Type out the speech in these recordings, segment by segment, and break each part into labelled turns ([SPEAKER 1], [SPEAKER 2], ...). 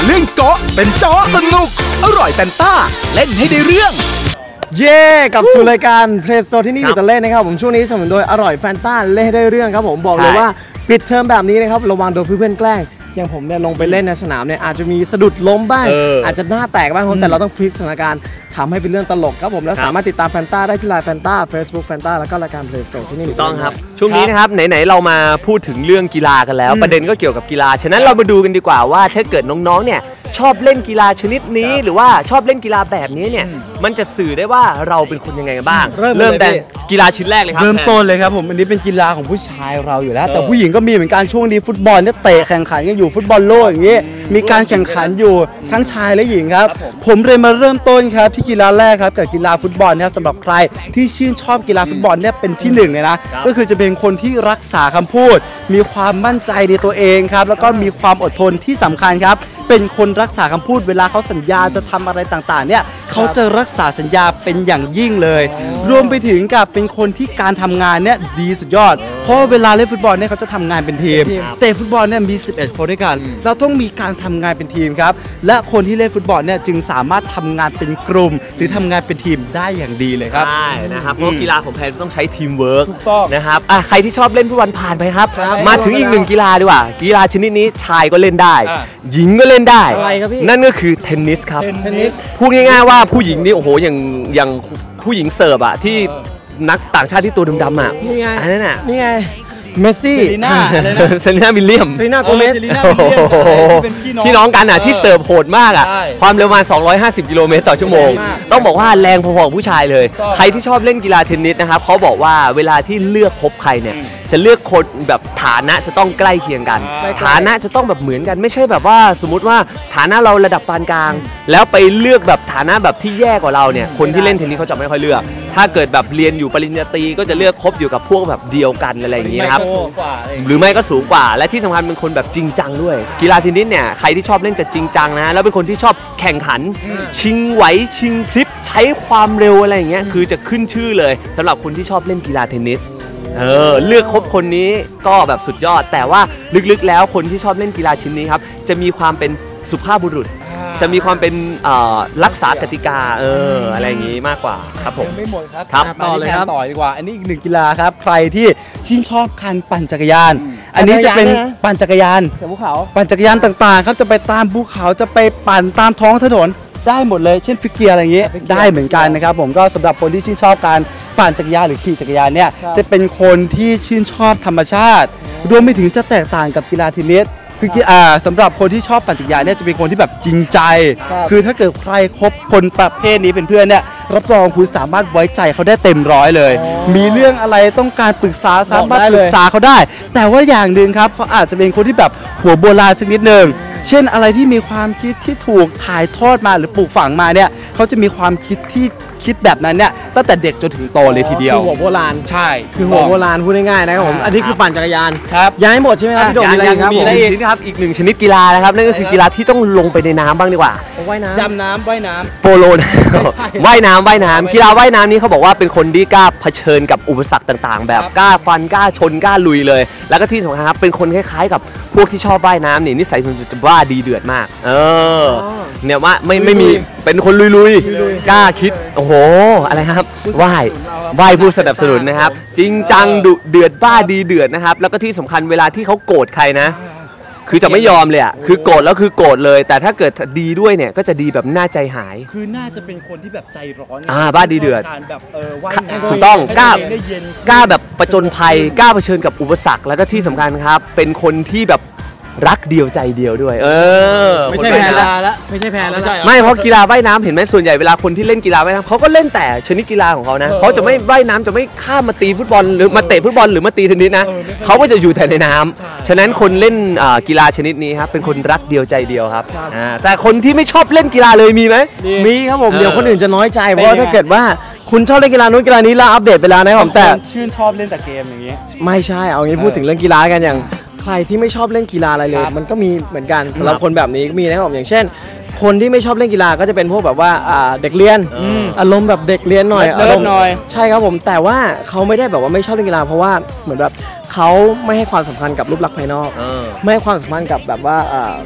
[SPEAKER 1] เรื่องเกาะเป็นเจาะสนุกอร่อยแฟนต้าเล่นให้ได้เรื่อง
[SPEAKER 2] เย่กับสู่รายการ Play Store ที่นี่อยู่แต่เล่นนะครับผมช่วงนี้สนับสนุนโดยอร่อยแฟนต้าเล่นให้ได้เรื่องครับผมบอกเลยว่าปิดเทอมแบบนี้นะครับระวังโดนเพื่อนแกล้งอย่างผมเนี่ยลงไปเล่นในสนามเนี่ยอาจจะมีสะดุดล้มบ้างอาจจะหน้าแตกบ้างแต่เราต้องพลิกสถานการณ์ทำให้เป็นเรื่องตลกครับผมแล้วสามารถติดตามแฟนต้าได้ที่ไลน์แฟนต้า Facebook แฟนต้าแล้วก็รายการ Play Store ที่นี่ถูกต้องครับ
[SPEAKER 3] ช่วงนี้นะครับไหนๆเรามาพูดถึงเรื่องกีฬากันแล้วประเด็นก็เกี่ยวกับกีฬาฉะนั้นเรามาดูกันดีกว่าว่าถ้าเกิดน้องๆเนี่ยชอบเล่นกีฬาชนิดนี้หรือว่าชอบเล่นกีฬาแบบนี้เนี่ยมันจะสื่อได้ว่าเราเป็นคนยังไงบ้างเริ่มแต่กีฬาชิ้นแรกเลยครับ
[SPEAKER 4] เริ่มต้นเลยครับผมอันนี้เป็นกีฬาของผู้ชายเราอยู่แล้วแต่ผู้หญิงก็มีเหมือนกันช่วงนี้ฟุตบอลเนี่ยเตะแข่งขันกันอยู่ฟุตบอลโลกอย่างนี้มีการแข่งขันอยู่ทั้งชายและหญิงครับผมเลยมาเริ่มต้นครับที่กีฬาแรกครับกับกีฬาฟุตบอลนะครับสำหรับใครที่ชื่นชอบกีฬาฟุตบอลเนี่ยเป็นที่หนึ่งเลยนะก็คือจะเป็นคนที่รักษาคำพูดมีความมั่นใจในตัวเองครับแล้วก็มีความอดทนที่สำคัญครับเป็นคนรักษาคำพูดเวลาเขาสัญญาจะทำอะไรต่างๆเนี่ยเขาจะรักษาสัญญาเป็นอย่างยิ่งเลยรวมไปถึงกับเป็นคนที่การทำงานเนี่ยดีสุดยอดเพราะเวลาเล่นฟุตบอลเนี่ยเขาจะทำงานเป็นทีมแต่ฟุตบอลเนี่ยมี11คนด้วยกันเราต้องมีการทำงานเป็นทีมครับและคนที่เล่นฟุตบอลเนี่ยจึงสามารถทำงานเป็นกลุ่มหรือทำงานเป็นทีมได้อย่างดีเลยครับ
[SPEAKER 3] ใช่นะครับเพราะกีฬาของแพนต้องใช้ทีมเวิร์กนะครับใครที่ชอบเล่นฟุตบอลผ่านไปครับมาถึงอีกหนึ่งกีฬาดีกว่ากีฬาชนิดนี้ชายก็เล่นได้หญิงก็เล่นได้นั่นก็คือเทนนิสครับพูดง่ายๆว่าผู้หญิงนี่โอ้โหอย่างผู้หญิงเสิร์ฟอะที่นักต่างชาติที่ตัวดำๆอะอันนั้นอะ
[SPEAKER 2] นี่ไงเมสซี่
[SPEAKER 3] เซรีน่าวิลเลียม
[SPEAKER 2] โกเมส
[SPEAKER 3] พี่น้องกันอ่ะที่เสิร์ฟโหดมากอ่ะความเร็วประมาณ250 กิโลเมตรต่อชั่วโมงต้องบอกว่าแรงพอๆกับผู้ชายเลยใครที่ชอบเล่นกีฬาเทนนิสนะครับเขาบอกว่าเวลาที่เลือกคบใครเนี่ยจะเลือกคนแบบฐานะจะต้องใกล้เคียงกันฐานะจะต้องแบบเหมือนกันไม่ใช่แบบว่าสมมุติว่าฐานะเราระดับปานกลางแล้วไปเลือกแบบฐานะแบบที่แย่กว่าเราเนี่ยคนที่เล่นเทนนิสเขาจะไม่ค่อยเลือกถ้าเกิดแบบเรียนอยู่ปริญญาตรีก็จะเลือกคบอยู่กับพวกแบบเดียวกันอะไรอย่างนี้นะครับหรือไม่ก็สูงกว่าและที่สำคัญเป็นคนแบบจริงจังด้วยกีฬาเทนนิสเนี่ยใครที่ชอบเล่นจะจริงจังนะแล้วเป็นคนที่ชอบแข่งขันชิงไหวชิงพลิบใช้ความเร็วอะไรอย่างเงี้ยคือจะขึ้นชื่อเลยสำหรับคนที่ชอบเล่นกีฬาเทนนิสเลือกคบคนนี้ก็แบบสุดยอดแต่ว่าลึกๆแล้วคนที่ชอบเล่นกีฬาชิ้นนี้ครับจะมีความเป็นสุภาพบุรุษจะมีความเป็นรักษากติกาอะไรอย่างงี้มากกว่าครับผม
[SPEAKER 4] ไม่หมดครับ
[SPEAKER 2] ต่อเลยครับ
[SPEAKER 4] ต่อดีกว่าอันนี้อีกหนึ่งกีฬาครับใครที่ชื่นชอบการปั่นจักรยานอันนี้จะเป็นปั่นจักรยาน
[SPEAKER 2] ภูเขา
[SPEAKER 4] ปั่นจักรยานต่างๆครับจะไปตามภูเขาจะไปปั่นตามท้องถนนได้หมดเลยเช่นฟิกเกียร์อะไรอย่างงี้ได้เหมือนกันนะครับผมก็สำหรับคนที่ชื่นชอบการปั่นจักรยานหรือขี่จักรยานเนี่ยจะเป็นคนที่ชื่นชอบธรรมชาติรวมไปถึงจะแตกต่างกับกีฬาเทนนิสคือสำหรับคนที่ชอบปั่นจักรยานเนี่ยจะเป็นคนที่แบบจริงใจคือถ้าเกิดใครคบคนประเภทนี้เป็นเพื่อนเนี่ยรับรองคุณสามารถไว้ใจเขาได้เต็มร้อยเลยมีเรื่องอะไรต้องการปรึกษาสามารถปรึกษาเขาได้แต่ว่าอย่างหนึ่งครับเขาอาจจะเป็นคนที่แบบหัวโบราณสักนิดนึงเช่นอะไรที่มีความคิดที่ถูกถ่ายทอดมาหรือปลูกฝังมาเนี่ยเขาจะมีความคิดที่คิดแบบนั้นเนี่ยตั้งแต่เด็กจนถึงโตเลยทีเดียว
[SPEAKER 2] คือหัวโบราณ
[SPEAKER 4] ใช่
[SPEAKER 2] คือหัวโบราณพูดง่ายๆนะครับผมอันนี้คือปั่นจักรยาน
[SPEAKER 4] ครับ
[SPEAKER 2] ยังไม่หมดใช่ไหมครับพี่โดมมีอะไรครับ
[SPEAKER 3] มีอะไรอีกครับอีกหนึ่งชนิดกีฬานะครับนั่นก็คือกีฬาที่ต้องลงไปในน้ำบ้างดีกว่า
[SPEAKER 2] ว่ายน้ำ
[SPEAKER 4] ดำน้ำว่ายน้ำ
[SPEAKER 3] โปโลว่ายน้ำกีฬาว่ายน้ำนี้เขาบอกว่าเป็นคนที่กล้าเผชิญกับอุปสรรคต่างๆแบบกล้าฟันกล้าชนกล้าลุยเลยแล้วก็ที่สำคัญครับเป็นคนคล้ายๆกับพวกที่ชอบว่ายน้ำนี่นิสัยส่วนตัวจะว่าดีเดือดมากเนี่ยว่าไม่มีเป็นคนลุยกล้าคิดโอ้โหอะไรครับว่ายผู้สนับสนุนนะครับจริงจังดุเดือดบ้าดีเดือดนะครับแล้วก็ที่สำคัญเวลาที่เขาโกรธใครนะคือจะไม่ยอมเลยอ่ะคือโกรธแล้วคือโกรธเลยแต่ถ้าเกิดดีด้วยเนี่ยก็จะดีแบบน่าใจหาย
[SPEAKER 4] คือน่าจะเป็นคนที่แบบใจร้อน
[SPEAKER 3] บ้าดีเดือด
[SPEAKER 4] แบบว่ายน้ำ
[SPEAKER 3] ถูกต้องกล้าแบบประจนภัยกล้าเผชิญกับอุปสรรคแล้วก็ที่สำคัญครับเป็นคนที่แบบรักเดียวใจเดียวด้วย
[SPEAKER 2] ไม่ใช่แพ้แล้วไม่ใช่แพ้แล้ว
[SPEAKER 3] ไม่เพราะกีฬาว่ายน้ำเห็นไหมส่วนใหญ่เวลาคนที่เล่นกีฬาว่ายน้ำเขาก็เล่นแต่ชนิดกีฬาของเขานะเขาจะไม่ว่ายน้ำจะไม่ข้ามมาตีฟุตบอลหรือมาเตะฟุตบอลหรือมาตีเทนนิสนะเขาก็จะอยู่แต่ในน้ำฉะนั้นคนเล่นกีฬาชนิดนี้ครับเป็นคนรักเดียวใจเดียวครับแต่คนที่ไม่ชอบเล่นกีฬาเลยมีไหม
[SPEAKER 2] มีครับผมเดี๋ยวคนอื่นจะน้อยใจเพราะถ้าเกิดว่าคุณชอบเล่นกีฬานู้นกีฬานี้เราอัปเดตไปแล้วนะครับแต่
[SPEAKER 4] ชื่นชอบเล่นแต่เกมอย่างนี้
[SPEAKER 2] ไม่ใช่เอางี้พูดถึงเรื่องกีฬากันอย่างใครที่ไม่ชอบเล่นกีฬาอะไรเลยมันก็มีเหมือนกันสำหรับคนแบบนี้มีนะครับผมอย่างเช่นคนที่ไม่ชอบเล่นกีฬาก็จะเป็นพวกแบบว่าเด็กเรียนอารมณ์แบบเด็กเรียนหน่อย
[SPEAKER 4] อารมณ์หน่อย
[SPEAKER 2] ใช่ครับผมแต่ว่าเขาไม่ได้แบบว่าไม่ชอบเล่นกีฬาเพราะว่าเหมือนแบบเขาไม่ให้ความสำคัญกับรูปลักษณ์ภายนอกไม่ให้ความสำคัญกับแบบว่า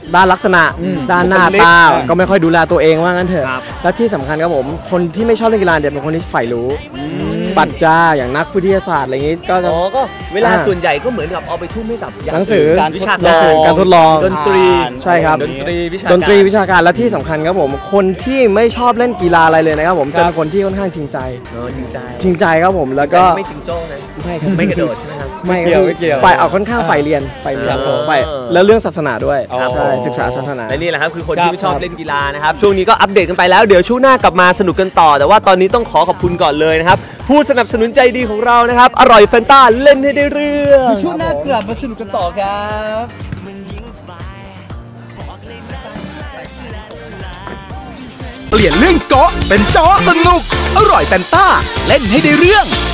[SPEAKER 2] ด้านลักษณะด้านหน้าตาก็ไม่ค่อยดูแลตัวเองว่างั้นเถอะและที่สำคัญครับผมคนที่ไม่ชอบเล่นกีฬาเนี่ยเป็นคนที่ใฝ่รู้ปรัชญาอย่างนักวิทยาศาสตร์อะไรอย่างงี้ก็จะ
[SPEAKER 3] ก็เวลาส่วนใหญ่ก็เหมือนกับเอาไปทุ่มให้กับ
[SPEAKER 2] หนังสือ
[SPEAKER 3] การวิชา
[SPEAKER 2] หนั
[SPEAKER 3] กาง
[SPEAKER 2] สือ
[SPEAKER 3] ร
[SPEAKER 2] การทดลอง
[SPEAKER 3] ดนตรี
[SPEAKER 2] ใช่ครับ
[SPEAKER 3] ดนตรีวิชา
[SPEAKER 2] ดนตรีวิชาการและที่สำคัญครับผมคนที่ไม่ชอบเล่นกีฬาอะไรเลยนะครับผมจะเป็นคนที่ค่อนข้างจริงใจ
[SPEAKER 3] จริงใจ
[SPEAKER 2] จริงใจครับผมแล้วก็
[SPEAKER 3] ไม่จริงโจ้นะ
[SPEAKER 2] ไม่ครับ
[SPEAKER 3] ไม่กระโดดใช่ไหมครับ
[SPEAKER 2] ไม่
[SPEAKER 4] ไม่เกี่ยวไม่เกี่ยว
[SPEAKER 2] ฝ่ายเอาค่อนข้างฝ่ายเรียนฝ่ายเรียน
[SPEAKER 3] ครับผม
[SPEAKER 2] ฝ่ายแล้วเรื่องศาสนาด้วย
[SPEAKER 4] ครับ
[SPEAKER 2] ใช่
[SPEAKER 4] ผม
[SPEAKER 2] ศึกษาศาสนา
[SPEAKER 3] และนี่แหละครับคือคนที่ไม่ชอบเล่นกีฬานะครับช่วงนี้ก็อัปเดตกันไปแล้วเดี๋ยวช่วงหน้ากลับมาสนุกกันต่อ แต่ว่าตอนนี้ต้องขอขอบคุณก่อนเลยนะครับผู้สนับสนุนใจดีของเรานะครับอร่อยแฟนต้าเล่นให้ได้เรื่อง
[SPEAKER 4] ช่วงหน้ากลับมาสนุกกันต่อครับ
[SPEAKER 1] เปลี่ยนเรื่องเกาะเป็นเจาะสนุก อร่อยแฟนต้า เล่นให้ได้เรื่อง